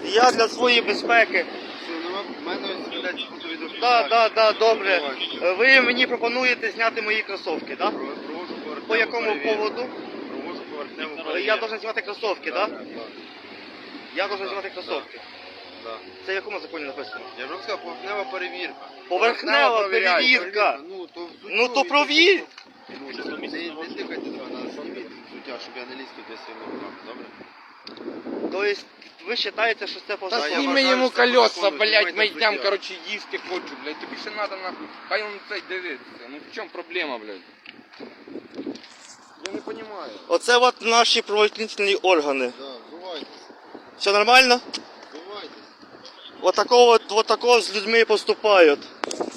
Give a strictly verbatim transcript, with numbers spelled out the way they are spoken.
Я для своєї безпеки. В мене ось ведеться фото-відео. Так, так, так, добре. Ви мені пропонуєте зняти мої кросівки, так? Провожу поверхневу По якому перевірку. поводу? Провожу поверхневу перевірку. Я должен знімати кросівки, так? Так, так. Я должен Так, знімати кросівки. Так. Це в якому законі написано? Я вже сказав, поверхнева перевірка. Поверхнева перевіряю, перевірка. перевірка. Ну, то взуттю Ну то і- провір. Ну, не, не тикайте цього, на зніміть взуття, щоб я не ліз туди своїми руками, добре? Тобто ви вважаєте, що це Та позаконно? я сніми вважаю, йому що це колеса, законно, блядь, знімайте ми йдемо, взуття. короче, їсти хочу, блядь. Тобі ще надо нахуй. Хай он цей дивиться. Ну в чому проблема, блядь? Я не понимаю. Оце от наші правоохоронні органи. Да, бувайте, Все нормально? бувайте. Вот такого, вот такого з людьми поступають.